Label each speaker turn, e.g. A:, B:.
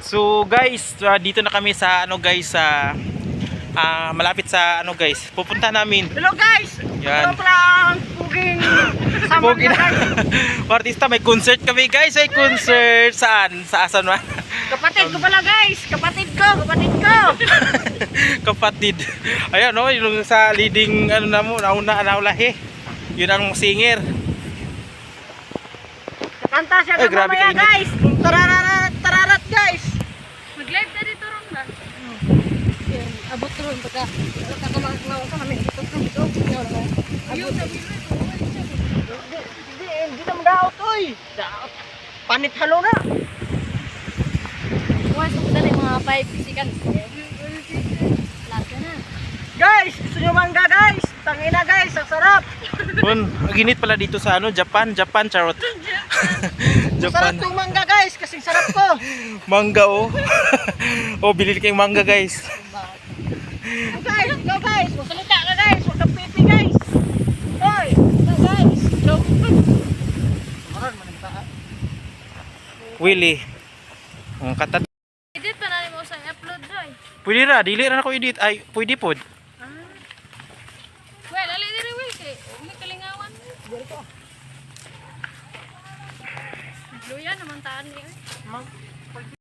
A: So guys, dito na kami sa ano guys sa malapit sa ano guys. Pupunta namin.
B: Hello guys.
A: Yan.
B: Hello lang puging sama
A: Pogi
B: na
A: na.
B: guys.
A: Artista, may concert kami guys. May concert saan? Sa asan man?
B: Kapatid ko pala guys. Kapatid ko.
A: Kapatid. Ayan no, yung sa leading ano na mo, naulahi. Yun ang singer.
B: Kanta siya
A: Ay,
B: na
A: grabe
B: mamaya
A: kainit.
B: guys. Tararat guys.
C: Mag-live na dito ron ba?
B: Abot ron pagka kakamaw ka kami dito dito. Ayun na Hindi na madaot oy. Daot. Panit halo na.
C: Huwag sa dali mga 5 seconds. Lahat na.
B: Guys, gusto nyo mangga guys. Tangina guys, ang sarap.
A: Kun, ginit pala dito sa ano, Japan charot.
B: Sarap
A: Japan.
B: tong mangga guys, kasing sarap ko.
A: Mangga oh. Oh, bilhin kayong mangga guys.
B: Guys, go guys. Magsalita ka guys. Huwag kang pipi guys. Hoy, go guys. Go.
A: Willie. Ang katat.
C: Edit pa na mo sa upload doy.
A: Pwede ra, dili ra ako edit. Ay, pwede pod.
C: Well, ali diri wi kay umi kalingawan. Luya naman taan ni.